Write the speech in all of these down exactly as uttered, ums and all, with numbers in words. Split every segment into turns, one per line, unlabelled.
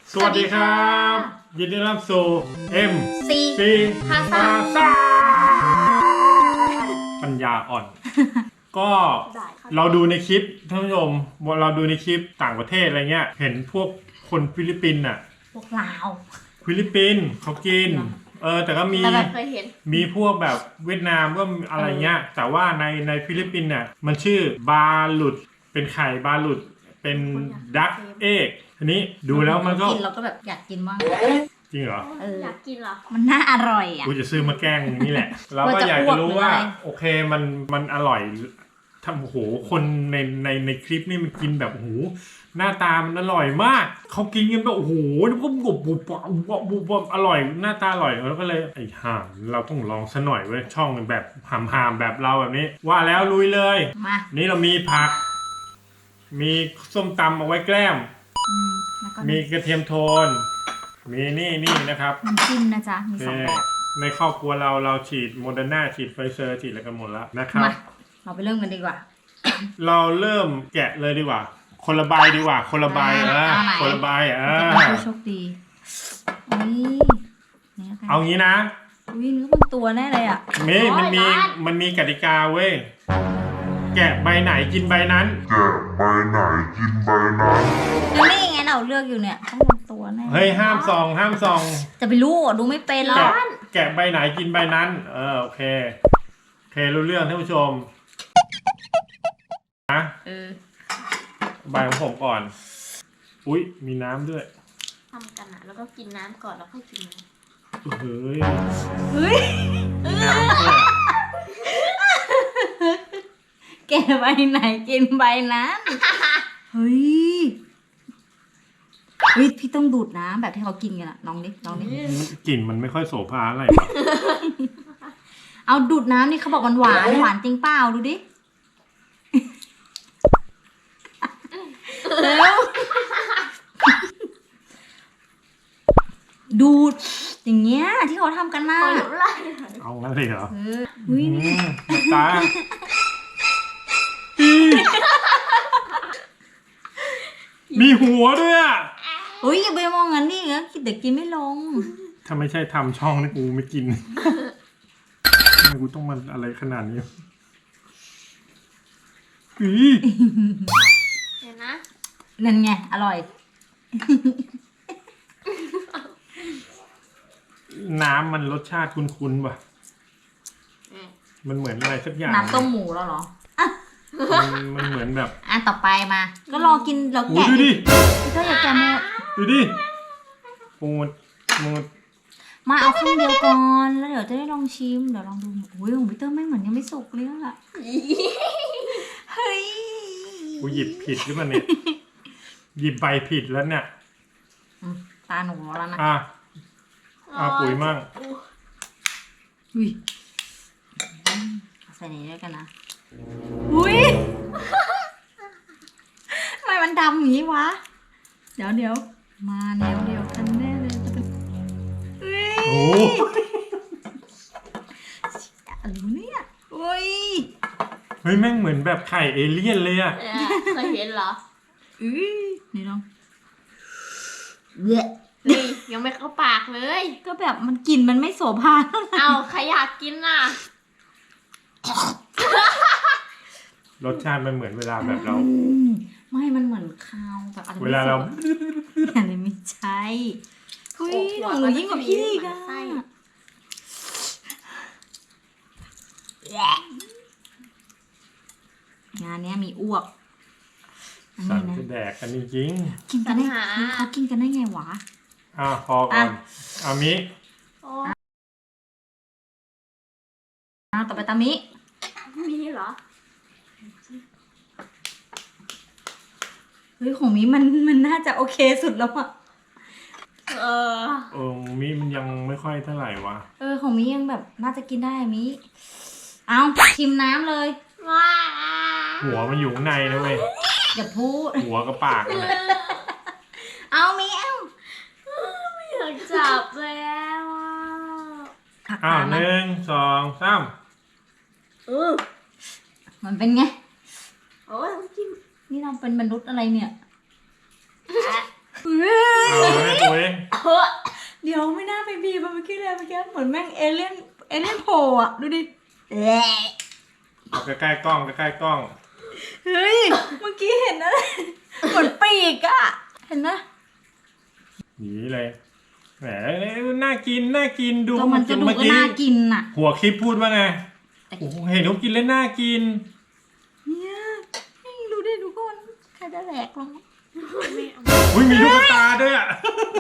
สวัสดีครับยินดีต้อนรับสู่ เอ็ม
ซี
ซี
ภาษา
ษาปัญญาอ่อน ก็เราดูในคลิปท่านผู้ชมเราดูในคลิปต่างประเทศอะไรเงี้ยเห็นพวกคนฟิลิปปินส์อ่ะ
พวกลาว
ฟิลิปปินส์เขากินเออแต่ก็มี
แต่แบบเคยเห็น
มีพวกแบบเวียดนามก็อะไรเงี้ยแต่ว่าในในฟิลิปปินส์เนี่ยมันชื่อบาหลุดเป็นไข่บาหลุดเป็นดักเอกทีนี้ดูแล้วมันก็
กินเราก็แบบอยากกินบ้าง
จริงเหรอ
เออ
อยากกินเหรอ
มันน่าอร่อยอ่ะ
กูจะซื้อมาแกล้งมึงนี่แหละ เราก็
ว่าจะ
อยากจะรู้ว่า
อ้วกหรืออะไร
โอเคมันมันอร่อยทำโอ้โหคนในในในคลิปนี่มันกินแบบโอ้โหหน้าตามันอร่อยมากเขากินกันแบบโอ้โหแล้วก็บุบบุบบุบบุบบุบอร่อยหน้าตาอร่อยแล้วก็เลยไอ้ห่าเราต้องลองซะหน่อยเว้ยช่องแบบหามหามแบบเราแบบนี้ ว่าแล้วลุยเลย
มา
นี่เรามีผัก มีส้มตำเอาไว้แกล้ม
อืมแล้วก็
มีกระเทียมโทน มีนี่นี่นะครับ
น้ำจิ้มนะจ๊ะมีสองแบบ
ในครอบครัวเราเราฉีดโมเดอร์นาฉีดไฟเซอร์ฉีดอะไรกันหมดแล้วนะครับ
มาเราไปเริ่มกันดีกว่า
เราเริ่มแกะเลยดีกว่า คนละใบดีกว่า คนละใบเออ
เอาไหน
คนละใบเอ
จะ
อ
เป็นผู้โชคดีอุ้ยนี่ละกัน
เอางี้นะ
อุ้ยเนื้อบางตัวแน่เลยอ่ะ
มีมันมีมันมีกติกาเว้ยแกะใบไหนกินใบนั้น
แกะใบไหนกินใบนั้น
แล้วนี่ไงเราเลือกอยู่เนี่ยต้องบางตัวแน่
เฮ้ยห้ามซองห้ามซอง
จะไปรู้อ่ะดูไม่เป็นหรอ
แกะ
ก
แกะใบไหนกินใบนั้น เออโอเคโอเครู้เรื่องท่านผู้ชมนะ
เออ
ใบของผมก่อน อุ๊ยมีน้ำด้วย
ทำกันอะแล้วก็กินน้ำก่อนแล้วค่อยกินน้
เฮ้ย
เฮ้ย
มีน้ำด้วย
แกใบไหนกินใบนั้นเฮ้ยเฮ้ยพี่ต้องดูดน้ำแบบที่เขากินกันอะลองดิลองดิ
กลิ่นมันไม่ค่อยโสภาอะไร
เอาดูดน้ำนี่เขาบอกมันหวานหวานจริงเปล่าดูดิเร็วดูดอย่างเงี้ยที่เขาทำกันน่ะ
ำหรือไร
เอางั้นเลยเหรอ
เอออุ้ย
อืมตามีหัวด้วยอ่ะ
เฮ้ยอย่าไปมองงั้นดิงั้นเดี๋ยวกินไม่ลง
ถ้าไม่ใช่ทำช่องนี่กูไม่กินทำไมกูต้องมาอะไรขนาดนี้อี
เดี๋ยวนะ
นั่นไงอร่อย
น้ำมันรสชาติคุ้นๆว่ะ
อืม
มันเหมือนอะไรสักอย่าง
น้ำต้มหมูแล้วเหรอ
มันมันเหมือนแบบ
อ่ะต่อไปมา ก็รอกินเรา
โอ้
แกะ
ดูดิ
พี่เต้ยอย่าแกะหมด
ดูดิมูดมูด
มาเอาครึ่งเดียวก่อนแล้วเดี๋ยวจะได้ลองชิมเดี๋ยวลองดูอุ้ยของพี่เต้ยไม่เหมือนยังไม่สุกเลยอะเฮ้ย
กูหยิบผิดหรือเปล่าเนี่ย หยิบใบผิดแล้วเนี่ย
อืมตาหนูแล้วนะ
อ่ะอ่ะปุ๋ยมั่ง
อุ้ยอืมเอาใส่นี้ด้วยกันนะอุ้ยทำไมมันดำอย่างนี้วะเดี๋ยวเดี๋ยวมาแนวเดียวกันแน่เลยจะเป็นเฮ้ย
โอ้
อะไรวะเนี่ยอุ้ย
เฮ้ยแม่งเหมือนแบบไข่เอเลี่ยนเลยอะ
เออเคยเห็นเหรอ
อุ้ยนี่ลองเละ
นี่ยังไม่เข้าปากเลย
ก็แบบมันกลิ่นมันไม่โสภาเท่าไหร่
เอาใครอยากกินน่ะ
รสชาติมันเหมือนเวลาแบบเรา
อืมไม่มันเหมือนคาวแบบอะไร
เวลาเรา
อะไรไม่ใช่อุ้ยหนูยิ่งกว่าพี่อีกอะงานเนี้ยมีอ้วกอัน
สั่
นี้
ง
นะ
จะแดกกันจริง
กินกันได้เขากินกันได้ไงวะ
ๆอ่ะพอก่อนอามิ
โอ้
อ้าวต่อไปตามิ
มีเหรอ
เฮ้ยของมิมันมันน่าจะโอเคสุดแล้วอะ
เออ
เออมิมันยังไม่ค่อยเท่าไหร่วะ
เออของมิยังแบบน่าจะกินได้มิเอาชิมน้ำเลย
ว้า
หัวมันอยู่ข้างในนะเว้ย
อย่าพูด
หัวกับปากนั่นแหละ
เอามิเอา
ไม่อยากจับแล้วอ่ะ
ผัก
อ้าว
ตาม
ห
นะ
นึ่งสองสาม
เออ
มันเป็นไง
โอ้ยน้ำจิ้ม
นี่เราเป็นมนุษย์อะไรเนี่ย
เอาให้กู
ยเหมือนแม่งเอเลี่ยนเอเลี่ยนโผล่อะดูดิแหละ
เอาใกล้ๆกล้องใกล้ๆกล้อง
เฮ้ยเมื่อกี้เห็นอะไรเหมือนปีกอะเห็นนะ
หนีเลยแหมน่ากินน่ากินดู
ก็มันก็ดู
เมื่อ
ก็
กี้
น่ากินอะ
หัวคลิปพูดว่าไงโอ้โหเห็นเขากินแล้วน่ากิน
เนี่ยนี่ดูดิดูก่อนใครจะแหลกลง
ไม่เอา
อุ้ยมีลูกตาด้วยอ่ะ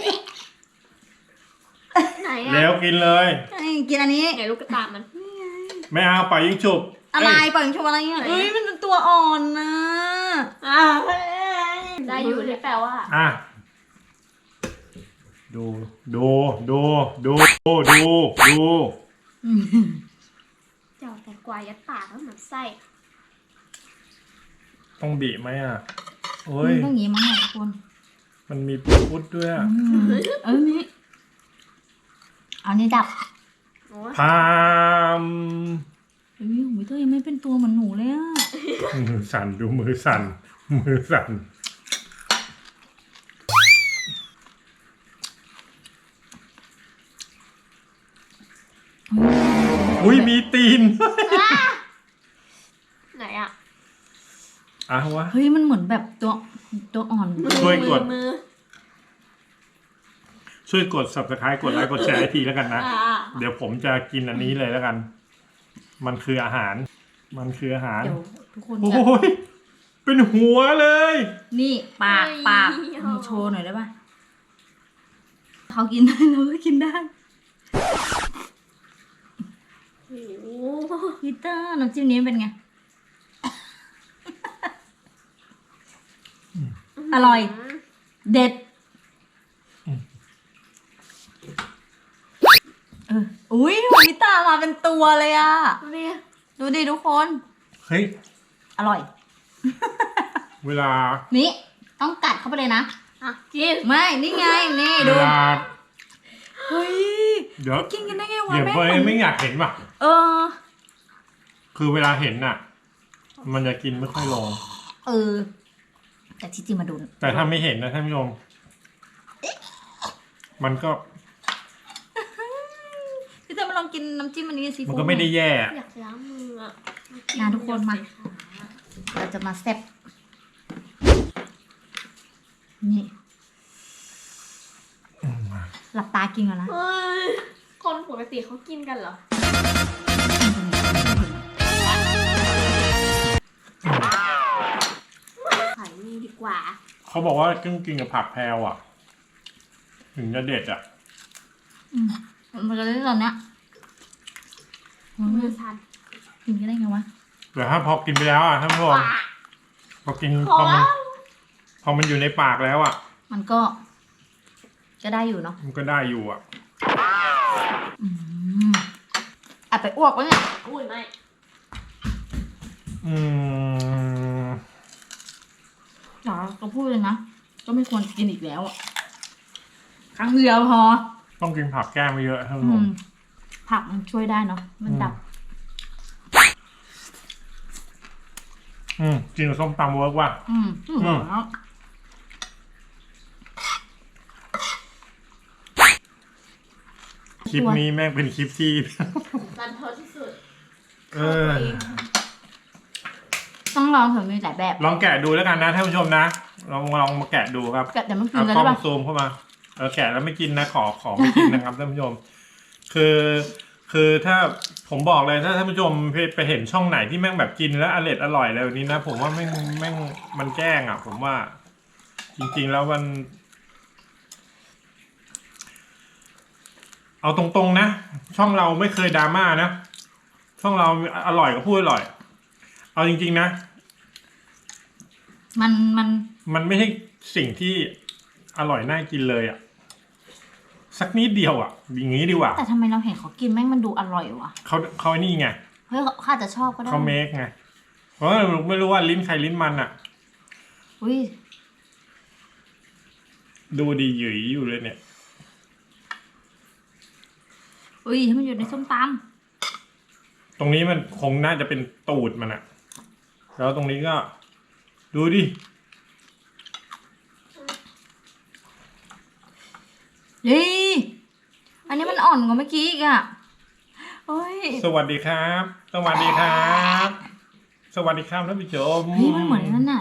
ไหน
แล้
อะ
วกินเลย
นี่กินอันนี้
ไหนลูกกระตามัน
ไม่เอาปล่อยยิงฉุบ
อะไร
เย
ปล่อยชมอะไรอ่ะเอ้ยมันเป็นตัวอ่อนนะ
อ้าวได้อยู่ที่แปลว่า
อ่ะดูดูดูดูดูดูดู
เจ้าแต่กวายัดปากแล้วเหมือนไส้
ต้องบีบไหมอ่ะโอ้ย
ต้องอย่างงี้มั้งทุกคน
มันมีพุดด้วยอะ
อืมเออนี่เอานี่ดับ
โอ้
พาม
เฮ้ยหูยเธอยังไม่เป็นตัวเหมือนหนูเลยอ่ะ
มือสั่นดูมือสั่นมือสั่นอุ้ยมีตีน
ไหนอะ
อ่ะวะ
เฮ้ยมันเหมือนแบบตัวตัวอ่อน
มือ
ช่วยกด
มือ
ช่วยกด subscribe กดไลค์กดแชร์ให้ทีแล้วกันนะ
อ่า
เดี๋ยวผมจะกินอันนี้เลยแล้วกัน มันคืออาหาร มันคืออาหาร
เดี๋ยวทุกคน
โอ้
จะ
ยเป็นหัวเลย
นี่ปากปากมีโชว์หน่อยได้ป่ะเขากินได้เราก็กินได้
โอ้โห
พีเตอร์น้ำจิ้มนี้เป็นไง อร่อย เด็ดเอออุ้ยหัวพิตามาเป็นตัวเลยอ่ะ
ดูดิ
ดูดิทุกคน
เฮ้ย
อร่อย
เวลา
นี่ต้องกัดเข้าไปเลยนะ
อ่ะกิน
ไม่ นี่ไง นี่
เว
ดู
ลา
เฮ้ย
เดี๋ยว
กินกันได้ไงวะ
เดี๋ยว
แม่
เบย
ง
ไม่อยากเห็นว่ะ
เออ
คือเวลาเห็นน่ะ มันจะกินไม่ค่อยลง
เออ แต่ที่จริงมาดู
แต่ถ้าไม่เห็นนะท่านผู้ชม มันก็
พี่เตอร์มาลองกินน้ำจิ้มอันนี้ซี
มัน
ฟู้ด
ก็ไม่ได้แย่
อยากล้างมืออะ
นะทุกคนมา เราจะมาแซ่บนี่ หลับตากินก่อนนะ
เฮ้ยคนปกติเขากินกันเหรอขายนี่ดีกว่า
เขาบอกว่าต้องกินกับผักแพรวอ่ะ ถึงจะเด็ดอ่ะ
อืมมันจะได้ตอนเนี้ยมัน
มือสั่น
กินกันได้ไงวะ
แต่ถ้าพอกินไปแล้วอ่ะท่านผู้ชม
ว้า
พอกิน
พอ
พอมัน
แล้ว
พอมันอยู่ในปากแล้วอ่ะ
มันก็ จะได้อยู่เนาะ
มันก็ได้อยู่อ่ะ
อืมอ่ะไปอ้วกวะเนี่ย
อุ้ยไม่
อืม
จ๋าก็พูดเลยนะ ก็ไม่ควรกินอีกแล้วอะครั้งเดียวพอ
ต้องกินผักแก้มเยอะท่านผู้
อื
ชม
ม ผักมันช่วยได้เนาะ มันดับ
อืมกินกับส้มตำเวิร์กว่ะ
อืมอืม
อืม
แล้ว
คลิปนี้แม่งเป็นคลิปที่
รันทดที่สุด
เออ
ต้องลองเถอะมีหลายแบบ
ลองแกะดูแล้วกันนะท่านผู้ชมนะ ลองลองมาแกะดูครับ
แต่ไม่กิน
เอา
กัน
กล้
ได้
อง
ปะ
ซูมเข้ามาเออแกะแล้วไม่กินนะขอขอไม่กินนะครับท่านผู้ชม คือคือถ้าผมบอกเลยถ้าท่านผู้ชมไปไปเห็นช่องไหนที่แม่งแบบกินแล้วอร่อยอร่อยอะไรแบบนี้นะผมว่าแม่งแม่งมันแกล้งอ่ะ ผมว่า จริงๆแล้วมัน เอาตรงๆนะ ช่องเราไม่เคยดราม่านะช่องเราอร่อยก็พูดอร่อย เอาจริงๆนะ
มันมัน
มันไม่ใช่สิ่งที่อร่อยน่ากินเลยอ่ะ สักนิดเดียวอ่ะอย่างนี้ดีกว่า
แต่ทำไมเราเห็นเขากินแม่งมันดูอร่อยวะ
เขาเขานี่ไง
เฮ้ยเขาเขาอาจจะชอบก็ได้
เขาเมคไงเพราะว่าไม่รู้ว่าลิ้นใครลิ้นมันอ่ะ
อุ้ย
ดูดีหยุยอยู่เลยเนี่ย
อุ้ยให้มันอยู่ในส้มต
ตรงนี้มันคงน่าจะเป็นตูดมันอ่ะ แล้วตรงนี้ก็ ดูดิ
ำเฮ้ยอันนี้มันมันอ่อนกว่าเมื่อกี้อีกอ่ะเฮ้ย
สวัสดีครับ สวัสดีครับ สวัสดีครับท่านผู้ชม
เฮ้ยมันเหมือนนั่นน่ะ